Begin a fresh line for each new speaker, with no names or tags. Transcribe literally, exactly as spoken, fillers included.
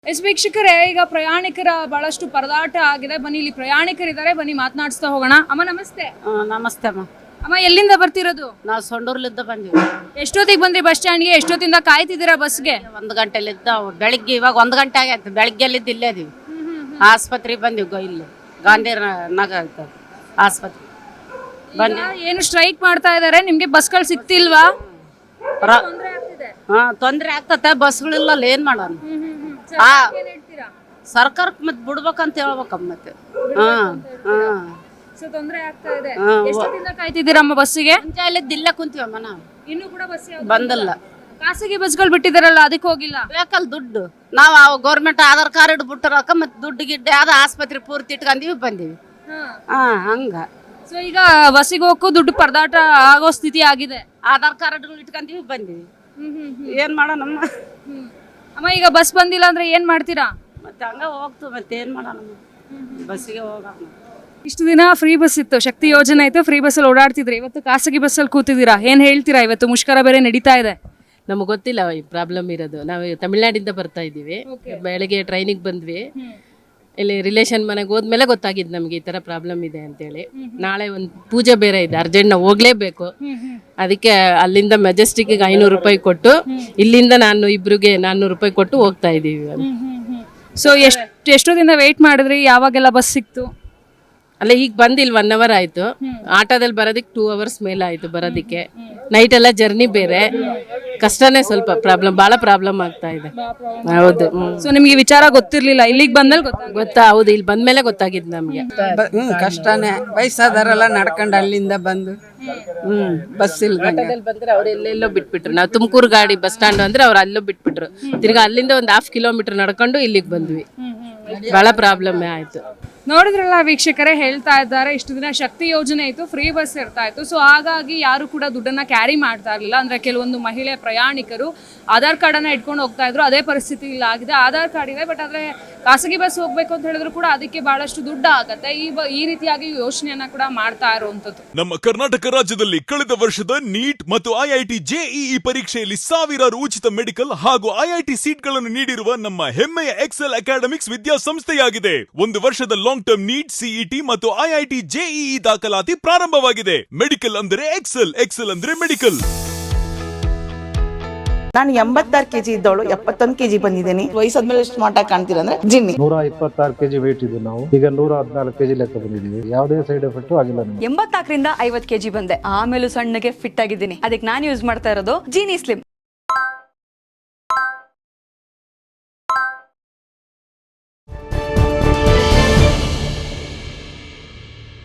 S ವೀಕ್ಷಕರೇ, ಈಗ ಪ್ರಯಾಣಿಕರ ಬಹಳಷ್ಟು ಪರದಾಟ ಆಗಿದೆ. ಬನ್ನಿ, ಇಲ್ಲಿ ಪ್ರಯಾಣಿಕರಿದ್ದಾರೆ, ಬನ್ನಿ ಮಾತನಾಡಿಸ್ತಾ ಹೋಗೋಣ. ಅಮ್ಮ ನಮಸ್ತೆ.
ಆ, ನಮಸ್ತೆ ಅಮ್ಮ.
ಅಮ್ಮ ಎಲ್ಲಿಂದ ಬರ್ತಿರೋದು?
ನಾವು ಸೊಂಡೂರ್ಲಿದ್ದ ಬಂದಿವಿ.
ಎಷ್ಟೊತ್ತಿಗೆ ಬಂದ್ರಿ ಬಸ್ ಸ್ಟ್ಯಾಂಡ್ಗೆ? ಎಷ್ಟೊತ್ತಿಂದ ಕಾಯ್ತಿದ್ದೀರಾ ಬಸ್ಗೆ?
ಒಂದು ಗಂಟೆಲಿದ್ದ ಬೆಳಿಗ್ಗೆ, ಇವಾಗ ಒಂದು ಗಂಟೆ ಆಗೈತೆ. ಬೆಳಿಗ್ಗೆಲಿದ್ದು ಇಲ್ಲೇ ಇದೀವಿ. ಆಸ್ಪತ್ರೆಗೆ ಬಂದಿವಿ. ಗೋ ಇಲ್ಲಿ ಗಾಂಧಿ ನಗರ ಆಸ್ಪತ್ರೆ
ಈಗ ಏನು ಸ್ಟ್ರೈಕ್ ಮಾಡ್ತಾ ಇದ್ದಾರೆ, ನಿಮ್ಗೆ ಬಸ್ಗಳು ಸಿಗ್ತಿಲ್ವಾ?
ಹಾ, ತೊಂದ್ರೆ ಆಗ್ತತೆ. ಬಸ್ಗಳಿಲ್ಲ, ಏನ್ ಮಾಡೋಣ? ಆ ಸರ್ಕಾರಕ್ಕೆ ಮತ್ತೆ ಬಿಡ್ಬೇಕಂತ ಹೇಳ್ಬೇಕಮ್ಮ. ಮತ್ತೆ ಹಾ ಹಾ
ತೊಂದ್ರೆ ಆಗ್ತಾ ಇದೆ. ಎಷ್ಟೊತ್ತಿಂದ ಕಾಯ್ತಿದ್ದೀರಮ್ಮ ಬಸ್ಸಿಗೆ?
ಮುಂಜಾನೆಲಿದ್ದು ಇಲ್ಲೇ ಕುಂತೀವಮ್ಮ ನಾವು.
ಇನ್ನೂ ಕೂಡ ಬಸ್
ಬಂದಿಲ್ಲ.
ಖಾಸಗಿ ಬಸ್ಗಳು ಬಿಟ್ಟಿದಾರಲ್ಲ, ಅದಕ್ಕೆ ಹೋಗಿಲ್ಲ?
ಬೇಕಲ್ಲ ದುಡ್ಡು. ನಾವು ಗೌರ್ಮೆಂಟ್ ಆಧಾರ್ ಕಾರ್ಡ್ ಇಟ್ಬಿಟ್ಟಾರಕ್ಕ, ಮತ್ತೆ ದುಡ್ಡು ಗಿಡ್ಡೆ ಆದ ಆಸ್ಪತ್ರೆ ಪೂರ್ತಿ ಇಟ್ಕೊಂಡೀವಿ ಬಂದೀವಿ. ಹಾ ಹಂಗ.
ಸೊ ಈಗ ಬಸ್ಸಿಗೆ ಹೋಗಕ್ಕೂ ದುಡ್ಡು ಪರದಾಟ ಆಗೋ ಸ್ಥಿತಿ ಆಗಿದೆ.
ಆಧಾರ್ ಕಾರ್ಡ್ಗಳು ಇಟ್ಕೊಂಡೀವಿ ಬಂದೀವಿ. ಏನ್ ಮಾಡೋಣಮ್ಮ?
ಅಮ್ಮ ಈಗ ಬಸ್ ಬಂದಿಲ್ಲ ಅಂದ್ರೆ ಏನ್ ಮಾಡ್ತೀರಾ?
ಮತ್ತೆ ಹಂಗ ಹೋಗ್ತು. ಮತ್ತೆ ಏನ್ ಮಾಡೋಣ? ಬಸ್ಸಿಗೆ ಹೋಗೋಣ.
ಇಷ್ಟು ದಿನ ಫ್ರೀ ಬಸ್ ಇತ್ತು, ಶಕ್ತಿ ಯೋಜನೆ ಇತ್ತು, ಫ್ರೀ ಬಸ್ಸಲ್ಲಿ ಓಡಾಡ್ತಿದ್ರಿ. ಇವತ್ತು ಖಾಸಗಿ ಬಸ್ಸಲ್ಲಿ ಕೂತಿದ್ದೀರಾ, ಏನ್ ಹೇಳ್ತೀರಾ? ಇವತ್ತು ಮುಷ್ಕರ ಬೇರೆ ನಡೀತಾ ಇದೆ.
ನಮಗೆ ಗೊತ್ತಿಲ್ಲ ಈ ಪ್ರಾಬ್ಲಮ್ ಇರೋದು. ನಾವು ತಮಿಳ್ನಾಡಿಂದ ಬರ್ತಾ ಇದ್ದೀವಿ. ಬೆಳಗ್ಗೆ ಟ್ರೈನಿಗೆ ಬಂದ್ವಿ. ಇಲ್ಲಿ ರಿಲೇಷನ್ ಮನೆಗೆ ಹೋದ್ಮೇಲೆ ಗೊತ್ತಾಗಿದ್ದು ನಮ್ಗೆ ಈ ತರ ಪ್ರಾಬ್ಲಮ್ ಇದೆ ಅಂತೇಳಿ. ನಾಳೆ ಒಂದು ಪೂಜೆ ಬೇರೆ ಇದೆ, ಅರ್ಜೆಂಟ್ ನಾವು ಹೋಗ್ಲೇಬೇಕು. ಅದಕ್ಕೆ ಅಲ್ಲಿಂದ ಮೆಜೆಸ್ಟಿಕ್ಗೆ ಐನೂರು ರೂಪಾಯಿ ಕೊಟ್ಟು, ಇಲ್ಲಿಂದ ನಾನು ಇಬ್ರಿಗೆ ನಾನ್ನೂರು ರೂಪಾಯಿ ಕೊಟ್ಟು ಹೋಗ್ತಾ ಇದೀವಿ.
ಸೊ ಎಷ್ಟು ಎಷ್ಟು ದಿನ ವೇಟ್ ಮಾಡಿದ್ರಿ? ಯಾವಾಗೆಲ್ಲ ಬಸ್ ಸಿಕ್ತು?
ಅಲ್ಲ, ಈಗ ಬಂದಿಲ್ಲ, ಒನ್ ಅವರ್ ಆಯ್ತು. ಆಟೋದಲ್ಲಿ ಬರೋದಕ್ಕೆ ಟೂ ಅವರ್ಸ್ ಮೇಲೆ ಆಯ್ತು ಬರೋದಕ್ಕೆ. ನೈಟ್ ಎಲ್ಲ ಜರ್ನಿ ಬೇರೆ, ಕಷ್ಟನೇ. ಸ್ವಲ್ಪ ಪ್ರಾಬ್ಲಮ್, ಬಹಳ ಪ್ರಾಬ್ಲಮ್ ಆಗ್ತಾ ಇದೆ. ಹೌದು.
ಸೊ ನಿಮ್ಗೆ ವಿಚಾರ ಗೊತ್ತಿರ್ಲಿಲ್ಲ, ಇಲ್ಲಿಗೆ ಬಂದ್ಮೇಲೆ ಗೊತ್ತಾಗ
ಗೊತ್ತಾ? ಹೌದು, ಇಲ್ಲಿ ಬಂದ್ಮೇಲೆ ಗೊತ್ತಾಗಿದ್ದು ನಮ್ಗೆ.
ಹ್ಮ್ ಕಷ್ಟನೇ. ವಯಸ್ಸಾದಾರೆಲ್ಲ ನಡ್ಕೊಂಡು ಅಲ್ಲಿಂದ ಬಂದು ಹ್ಮ್ ಬಸ್ ಇಲ್ದಂಗೆ
ಬಂದ್ರೆ ಅವ್ರು ಎಲ್ಲೆಲ್ಲೋ ಬಿಟ್ಬಿಟ್ರು. ನಾವು ತುಮಕೂರು ಗಾಡಿ ಬಸ್ ಸ್ಟ್ಯಾಂಡ್ ಅಂದ್ರೆ ಅವ್ರು ಅಲ್ಲೋ ಬಿಟ್ಬಿಟ್ರು. ತಿರ್ಗಾ ಅಲ್ಲಿಂದ ಒಂದು ಹಾಫ್ ಕಿಲೋಮೀಟರ್ ನಡ್ಕೊಂಡು ಇಲ್ಲಿಗೆ ಬಂದ್ವಿ. ಬಹಳ ಪ್ರಾಬ್ಲಮ್ ಆಯ್ತು.
ನೋಡಿದ್ರಲ್ಲ ವೀಕ್ಷಕರೇ, ಹೇಳ್ತಾ ಇದ್ದಾರೆ ಇಷ್ಟು ದಿನ ಶಕ್ತಿ ಯೋಜನೆ ಇತ್ತು, ಫ್ರೀ ಬಸ್ ಇರ್ತಾ ಇತ್ತು. ಸೊ ಹಾಗಾಗಿ ಯಾರು ಕೂಡ ದುಡ್ಡನ್ನ ಕ್ಯಾರಿ ಮಾಡ್ತಾ ಇರಲಿಲ್ಲ. ಅಂದ್ರೆ ಕೆಲವೊಂದು ಮಹಿಳೆ ಪ್ರಯಾಣಿಕರು ಆಧಾರ್ ಕಾರ್ಡನ್ನ ಇಟ್ಕೊಂಡು ಹೋಗ್ತಾ ಇದ್ರು. ಅದೇ ಪರಿಸ್ಥಿತಿ ಇಲ್ಲ ಆಗಿದೆ. ಆಧಾರ್ ಕಾರ್ಡ್ ಇದೆ, ಬಟ್ ಆದ್ರೆ ಖಾಸಗಿ ಬಸ್ ಹೋಗ್ಬೇಕು ಅಂತ ಹೇಳಿದ್ರು ಕೂಡ ಅದಕ್ಕೆ ಬಹಳಷ್ಟು ದುಡ್ಡು ಆಗತ್ತೆ. ಈ ಈ ರೀತಿಯಾಗಿ ಯೋಚನೆಯನ್ನ ಕೂಡ ಮಾಡ್ತಾ ಇರುವಂತದ್ದು.
ನಮ್ಮ ಕರ್ನಾಟಕ ರಾಜ್ಯದಲ್ಲಿ ಕಳೆದ ವರ್ಷದ ನೀಟ್ ಮತ್ತು ಐಐಟಿ ಜೆಇಇ ಪರೀಕ್ಷೆಯಲ್ಲಿ ಸಾವಿರಾರು ಉಚಿತ ಮೆಡಿಕಲ್ ಹಾಗೂ ಐಐಟಿ ಸೀಟ್ಗಳನ್ನು ನೀಡಿರುವ ನಮ್ಮ ಹೆಮ್ಮೆಯ ಎಕ್ಸೆಲ್ ಅಕಾಡೆಮಿಕ್ಸ್ ವಿದ್ಯಾಸಂಸ್ಥೆಯಾಗಿದೆ. ಒಂದು ವರ್ಷದ ಲಾಂಗ್ ಟರ್ಮ್ ನೀಟ್, ಸಿಇಟಿ ಮತ್ತು ಐಐಟಿ ಜೆಇಇ ದಾಖಲಾತಿ ಪ್ರಾರಂಭವಾಗಿದೆ. ಮೆಡಿಕಲ್ ಅಂದ್ರೆ ಎಕ್ಸೆಲ್, ಎಕ್ಸೆಲ್ ಅಂದ್ರೆ ಮೆಡಿಕಲ್.
ನಾನು ಎಂಬತ್ತಾರು ಕೆಜಿ ಇದ್ದವಳು ಎಪ್ಪತ್ತೊಂದು ಕೆಜಿ ಬಂದಿದ್ದೀನಿ. ವಯಸ್ಸಾದ್ಮೇಲೆ ಸ್ಮಾರ್ಟ್ ಆಗಿ ಕಾಣ್ತೀರ ಅಂದ್ರೆ ಜಿನ್ನಿ.
ನೂರ ಇಪ್ಪತ್ತಾರು ಕೆಜಿ ವೇಟ್ ಇದ್ದು ನಾವು ಈಗ ನೂರ ಹದಿನಾಲ್ಕು ಕೆಜಿ ಲೆಕ್ಕ ಬಂದಿದ್ದೀವಿ. ಯಾವುದೇ ಸೈಡ್ ಎಫೆಕ್ಟ್ ಆಗಿಲ್ಲ.
ಎಂಬತ್ನಾಲ್ಕರಿಂದ ಐವತ್ತು ಕೆಜಿ ಬಂದೆ. ಆಮೇಲೂ ಸಣ್ಣಗೆ ಫಿಟ್ ಆಗಿದ್ದೀನಿ. ಅದಕ್ಕೆ ನಾನು ಯೂಸ್ ಮಾಡ್ತಾ ಇರೋದು ಜೀನಿ ಸ್ಲಿಮ್.